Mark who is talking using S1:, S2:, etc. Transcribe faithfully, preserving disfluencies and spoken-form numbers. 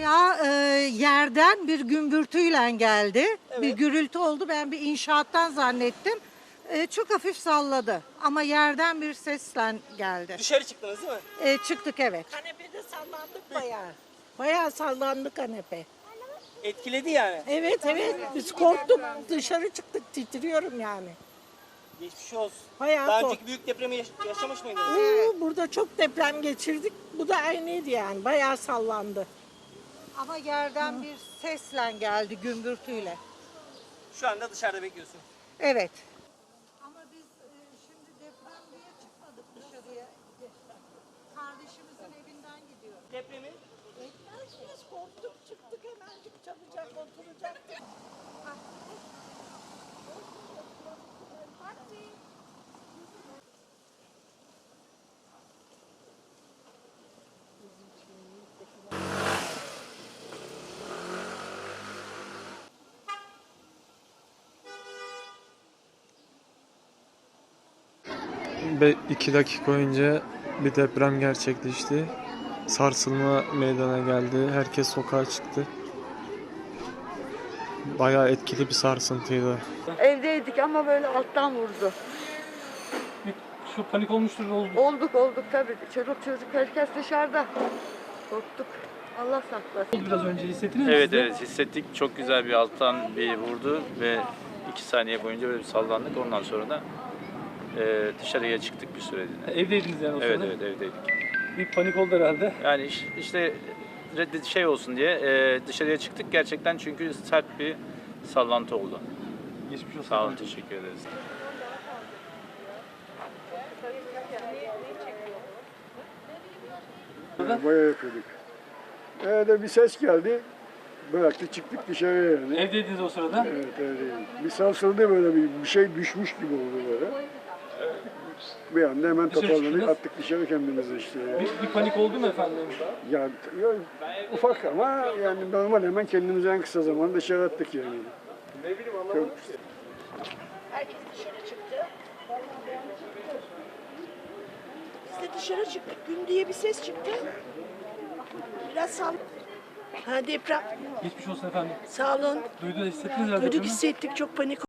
S1: Bayağı e, yerden bir gümbürtüyle geldi.
S2: Evet.
S1: Bir gürültü oldu. Ben bir inşaattan zannettim. E, çok hafif salladı. Ama yerden bir sesle geldi.
S2: Dışarı çıktınız değil mi?
S1: E, çıktık evet.
S3: Kanepede sallandık bayağı. Bayağı sallandı kanepe.
S2: Etkiledi yani.
S3: Evet evet biz korktuk dışarı çıktık titriyorum yani.
S2: Geçmiş olsun.
S3: Bayağı
S2: Daha
S3: kork-
S2: önceki büyük depremi yaş- yaşamış mıydınız?
S3: Oo, burada çok deprem geçirdik. Bu da aynıydı yani bayağı sallandı.
S1: Ama yerden bir sesle geldi gümbürtüyle.
S2: Şu anda dışarıda bekliyorsun.
S1: Evet. Ama biz e, şimdi deprem diye çıkmadık dışarıya. Kardeşimizin evinden gidiyoruz.
S2: Depremi
S3: Biz korktuk çıktık hemencik çabucak oturacaktık.
S4: Ve iki dakika önce bir deprem gerçekleşti. Sarsılma meydana geldi. Herkes sokağa çıktı. Bayağı etkili bir sarsıntıydı.
S5: Evdeydik ama böyle alttan vurdu.
S6: Şu panik olmuştur oldu.
S5: Olduk olduk tabii. Çocuk çocuk herkes dışarıda. Korktuk. Allah saklasın.
S6: Biraz önce hissettiniz mi?
S7: Evet
S6: siz de?
S7: evet hissettik. Çok güzel bir alttan bir vurdu ve iki saniye boyunca böyle bir sallandık. Ondan sonra da e, dışarıya çıktık bir süreliğine.
S6: Evdeydiniz yani o
S7: Evet
S6: sırada.
S7: evet evdeydik.
S6: Bir panik oldu herhalde.
S7: Yani iş- işte reddi- şey olsun diye e, dışarıya çıktık gerçekten çünkü sert bir sallantı oldu.
S6: Geçmiş olsun.
S7: Sağ olun, teşekkür ederiz.
S8: Bayağı yapıyorduk. Evde bir ses geldi. Bıraktık çıktık dışarıya yani.
S6: Evdeydiniz o sırada.
S8: Evet evdeyim. Bir sarsıldı böyle bir, bir şey düşmüş gibi oldu böyle. Bir anda hemen
S6: Dışarı
S8: toparlanıp
S6: çıktınız.
S8: attık dışarı kendimizi işte. Yani.
S6: Bir, bir panik oldu mu efendim?
S8: Ya, ya ufak ama yani normal hemen kendimizi en kısa zamanda dışarı attık yani. Ne bileyim anlamadım.
S3: Herkes dışarı çıktı. Biz de dışarı çıktık. Gün diye bir ses çıktı. Biraz sal. Ha deprem.
S6: Geçmiş olsun efendim.
S3: Sağ olun.
S6: Duydu hissettiniz herhalde.
S3: Duyduk
S6: depremi.
S3: hissettik çok panik